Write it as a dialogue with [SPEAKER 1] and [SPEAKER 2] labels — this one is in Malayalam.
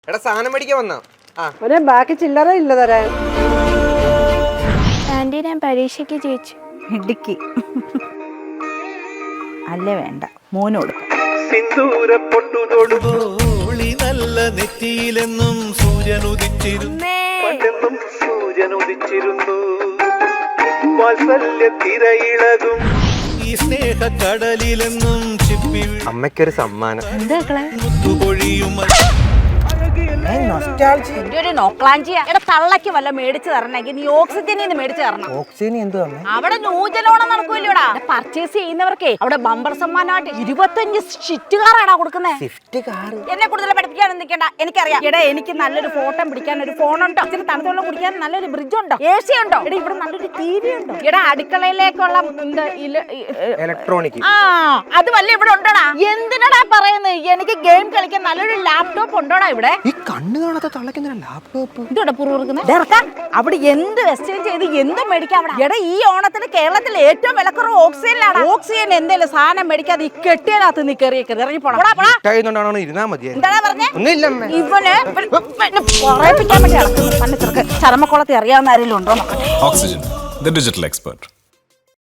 [SPEAKER 1] എടാ സാധനം മേടിക്കാൻ വന്നാ
[SPEAKER 2] അവനെ ബാക്കി ചില്ലറ ഇല്ല തരാൻ.
[SPEAKER 3] ആന്റി ഞാൻ പരീക്ഷയ്ക്ക് ജയിച്ചു.
[SPEAKER 4] ഇടുക്കി അല്ലേ വേണ്ട മോന് കൊടുക്കാം.
[SPEAKER 5] നല്ല നെറ്റിയിലെന്നും സൂര്യനുദിച്ചിരുന്നു വാത്സല്യ തിരയിളകും ഈ സ്നേഹ കടലിലെന്നും ചിപ്പി
[SPEAKER 1] അമ്മയ്ക്കൊരു സമ്മാനം.
[SPEAKER 5] മുത്തുപൊഴിയും
[SPEAKER 4] തള്ളക്ക് വല്ല മേടിച്ചു തരണമെങ്കിൽ നീ ഓക്സിജനിൽ മേടിച്ചു തരണം.
[SPEAKER 1] ഓക്സിജൻ എന്തുവാ
[SPEAKER 4] അവിടെ നൂജലോണം നടക്കൂല്ലോടാ. പർച്ചേസ് ചെയ്യുന്നവർക്കേ അവിടെ ബമ്പർ സമ്മാനമായിട്ട് 25 ഷിഫ്റ്റ് കാറാടാ കൊടുക്കുന്നേ. എന്നെ കൂടുതൽ പഠിപ്പിക്കാനൊന്നും നിൽക്കണ്ട, എനിക്കറിയാം. എടാ എനിക്ക് നല്ലൊരു ഫോട്ടോ പിടിക്കാൻ ഒരു ഫോണുണ്ടോ, ഇച്ചിരി തണുത്തുള്ള കുടിക്കാൻ നല്ലൊരു ഫ്രിഡ്ജ് ഉണ്ടോ, AC ഉണ്ടോ, എടാ ഇവിടെ നല്ലൊരു TV ഉണ്ടോ, എടാ അടുക്കളയിലേക്കുള്ള
[SPEAKER 1] ഇലക്ട്രോണിക്
[SPEAKER 4] അത് വല്ല ഇവിടെ ഉണ്ടോടാ? എന്തിനാടാ പറയുന്നത്? എനിക്ക് ഗെയിം കളിക്കാൻ നല്ലൊരു ലാപ്ടോപ്പ് ഉണ്ടോടാ ഇവിടെ?
[SPEAKER 1] ഈ കണ്ണു കാണാത്ത തള്ളക്കുന്ന ലാപ്ടോപ്പ്
[SPEAKER 4] ഇതോടെ പുറകുന്നത് അവിടെ എന്ത് എക്സ്ചേഞ്ച് ചെയ്ത് എന്തും മേടിക്കാം അവിടെ. എടാ ഈ ഓണത്തിന് കേരളത്തിൽ ഏറ്റവും വിലക്കുറവ് ഓക്സിജനിലാണ്. ഓക്സിജൻ എന്തെങ്കിലും സാധനം മേടിക്കാതെ ഈ കെട്ടിയതിനകത്ത് നീ കയറിയേക്കരുത്, ഇറങ്ങി പോടാ.
[SPEAKER 1] ഇരുന്നാ മതി.
[SPEAKER 4] എന്താ പറഞ്ഞേ?
[SPEAKER 1] ഒന്നുമില്ല
[SPEAKER 4] ഇവന് പറയിപ്പിക്കാൻ വേണ്ടി ചരമക്കുളത്തിൽ അറിയാവുന്ന ആരെങ്കിലും ഉണ്ടോ?
[SPEAKER 6] Oxygen, the digital expert.